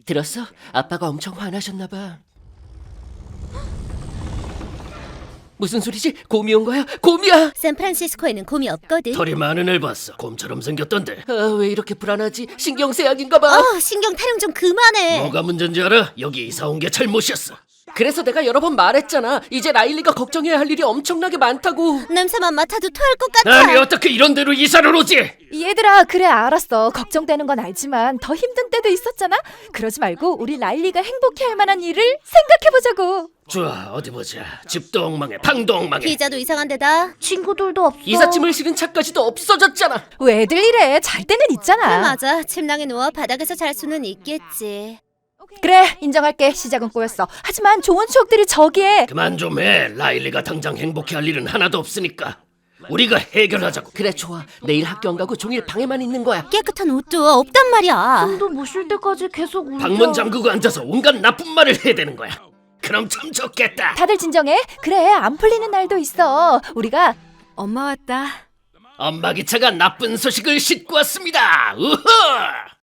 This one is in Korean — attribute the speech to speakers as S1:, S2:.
S1: 들었어? 아빠가 엄청 화나셨나 봐. 무슨 소리지? 곰이 온 거야? 곰이야!
S2: 샌프란시스코에는 곰이 없거든.
S3: 털이 많은 애 봤어. 곰처럼 생겼던데.
S1: 아, 왜 이렇게 불안하지? 신경쇠약인가 봐.
S2: 신경 타령 좀 그만해.
S3: 뭐가 문제인지 알아? 여기 이사 온 게 잘못이었어.
S1: 그래서 내가 여러 번 말했잖아. 이제 라일리가 걱정해야 할 일이 엄청나게 많다고.
S2: 냄새만 맡아도 토할 것 같아.
S3: 아니 어떻게 이런 데로 이사를 오지?
S4: 얘들아, 그래 알았어. 걱정되는 건 알지만 더 힘든 때도 있었잖아. 그러지 말고 우리 라일리가 행복해할 만한 일을 생각해보자고.
S3: 좋아, 어디 보자. 집도 엉망해, 방도 엉망해.
S2: 피자도 이상한 데다. 친구들도 없어.
S1: 이삿짐을 실은 차까지도 없어졌잖아.
S4: 왜들 이래? 잘 때는 있잖아.
S2: 맞아. 침낭에 누워 바닥에서 잘 수는 있겠지.
S4: 그래, 인정할게. 시작은 꼬였어. 하지만 좋은 추억들이 저기에.
S3: 그만 좀 해. 라일리가 당장 행복해할 일은 하나도 없으니까. 우리가 해결하자고.
S1: 그래, 좋아. 내일 학교 안 가고 종일 방에만 있는 거야.
S2: 깨끗한 옷도 없단 말이야.
S5: 숨도 못 쉴 때까지 계속 울려.
S3: 방문 잠그고 앉아서 온갖 나쁜 말을 해야 되는 거야. 그럼 참 좋겠다.
S4: 다들 진정해. 그래, 안 풀리는 날도 있어. 우리가
S5: 엄마 왔다.
S3: 엄마 기차가 나쁜 소식을 싣고 왔습니다. 우후!